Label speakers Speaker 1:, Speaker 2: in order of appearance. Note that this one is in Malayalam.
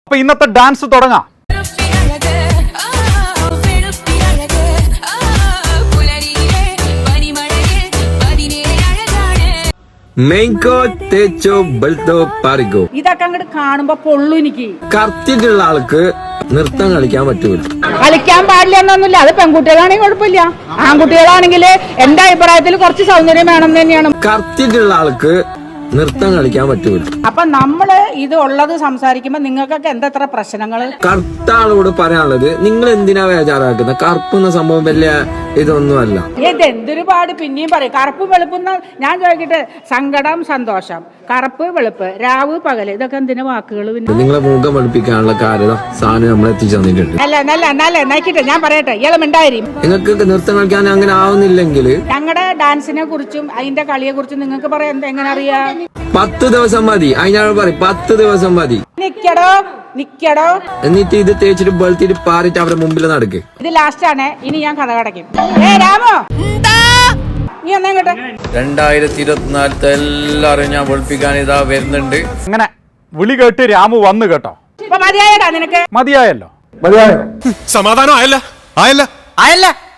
Speaker 1: അപ്പൊ ഇന്നത്തെ ഡാൻസ് തുടങ്ങാം.
Speaker 2: ഇതൊക്കെ അങ്ങോട്ട് കാണുമ്പോ പൊള്ളു എനിക്ക്.
Speaker 3: കറക്റ്റിട്ടുള്ള ആൾക്ക് നൃത്തം കളിക്കാൻ പറ്റൂല.
Speaker 2: കളിക്കാൻ പാടില്ല എന്നൊന്നുമില്ല. അത് പെൺകുട്ടികളാണെങ്കിൽ കുഴപ്പമില്ല. ആൺകുട്ടികളാണെങ്കിൽ എന്റെ അഭിപ്രായത്തിൽ കുറച്ച് സൗന്ദര്യം വേണം തന്നെയാണ്.
Speaker 3: കറക്റ്റിട്ടുള്ള ആൾക്ക് നൃത്തം കളിക്കാൻ പറ്റൂല.
Speaker 2: അപ്പൊ നമ്മള് ഇത് ഉള്ളത് സംസാരിക്കുമ്പോ നിങ്ങൾക്കൊക്കെ എന്തത്ര പ്രശ്നങ്ങള്?
Speaker 3: കറുത്ത ആളോട് പറയാനുള്ളത്, നിങ്ങൾ എന്തിനാ ബേജാറാക്കുന്നത്? കറുപ്പുന്ന സംഭവം വലിയ ഇതൊന്നുമല്ല.
Speaker 2: ഇതെന്തൊരു പാട് പിന്നെയും പറയും. കറുപ്പ് വെളുപ്പുന്ന ഞാൻ ചോദിക്കട്ടെ, സങ്കടം സന്തോഷം, കറുപ്പ് വെളുപ്പ്, രാവ് പകല്, ഇതൊക്കെ എന്തിനാ വാക്കുകൾ? പിന്നെ
Speaker 3: നിങ്ങളെ മുഖം വെളുപ്പിക്കാനുള്ള കാര്യം സാധനം നമ്മൾ എത്തിച്ചു തന്നിട്ടുണ്ട്.
Speaker 2: നല്ല നോക്കിട്ടെ ഞാൻ പറയട്ടെ, ഇളമുണ്ടായി.
Speaker 3: നിങ്ങൾക്ക് നൃത്തം കളിക്കാൻ അങ്ങനെ ആവുന്നില്ലെങ്കിൽ
Speaker 2: ഞങ്ങളുടെ ഡാൻസിനെ കുറിച്ചും അതിന്റെ കളിയെ കുറിച്ചും നിങ്ങൾക്ക് പറയാൻ എങ്ങനെ അറിയാം?
Speaker 3: 10 ദിവസം മതി. അതിനാണ് പറയും 10 ദിവസം മതി.
Speaker 2: നിക്കടോ
Speaker 3: എന്നിട്ട് ഇത് തേച്ചിട്ട് വെളുത്തിട്ട് പാറിട്ട് അവരുടെ മുമ്പിൽ നടക്ക്.
Speaker 2: ഇത് ലാസ്റ്റ് ആണ്. ഇനി ഞാൻ കഥ കടക്കും. രാമോ നീ ഒന്നേ കേട്ടെ.
Speaker 3: 2024 എല്ലാരും ഞാൻ വെളുപ്പിക്കാൻ ഇതാ വരുന്നുണ്ട്.
Speaker 1: അങ്ങനെ വിളി കേട്ട് രാമു വന്നു കേട്ടോ.
Speaker 2: മതിയായടാ നിനക്ക്?
Speaker 1: മതിയായല്ലോ.
Speaker 4: സമാധാനം ആയല്ല.